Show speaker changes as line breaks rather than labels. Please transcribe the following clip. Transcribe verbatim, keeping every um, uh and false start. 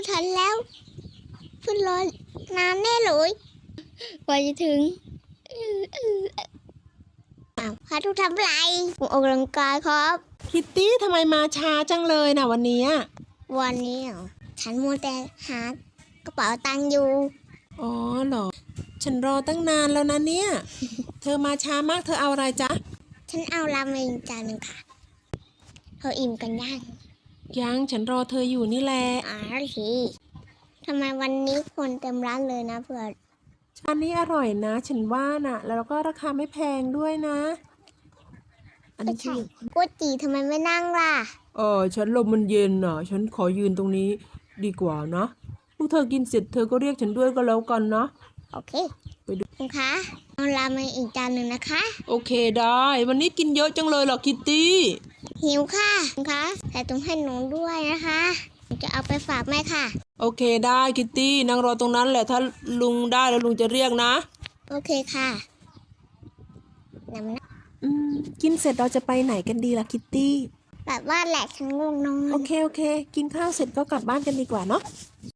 ทันแล้วขึ้นรถนานแน่เลยกว่าจะถึงอ้าวพาทุกทำไรผมออกกำลังกายครับ
คิตตี้ทำไมมาช้าจังเลยนะวันนี้
วันนี้เหรอฉันมัวแต่หากระเป๋าตังค์อยู่
อ๋อเหรอ ฉันรอตั้งนานแล้วนะเนี่ย เธอมาช้ามากเธอเอาอะไรจ๊ะ
ฉันเอาราเมงจานหนึ่งค่ะเธออิ่มกันยัง
ยังฉันรอเธออยู่นี่แหละ
อ๋อทีทำไมวันนี้คนเต็มร้านเลยนะเพื่อน
ชานนี้อร่อยนะ ฉันว่าน่ะ แล้วก็ราคาไม่แพงด้วยนะ อัน
ไม่
นี้
ใช่
คือ
ก๋วยจีทำไมไม่นั่งล่ะ
เออฉันลมมันเย็นน่ะ ฉันขอยืนตรงนี้ดีกว่านะพวกเธอกินเสร็จเธอก็เรียกฉันด้วยก็แล้วกันนะ
โอเค
ไปดู
คุณคะเอาราเมงอีกจานหนึ่งนะคะ
โอเคได้ วันนี้กินเยอะจังเลยเหรอคิตตี้
หิวค่ะคุณคะแต่ต้องให้หนูด้วยนะคะหนูจะเอาไปฝากแม่ค่ะ
โอเคได้คิตตี้นั่งรอตรงนั้นแหละถ้าลุงได้แล้วลุงจะเรียกนะ
โอเคค่ะนำนะ
อืมกินเสร็จเราจะไปไหนกันดีล่ะคิตตี้
แบบว่าแหละฉันง่วงนอน
โอเคโอเค กินข้าวเสร็จก็กลับบ้านกันดีกว่าเนาะ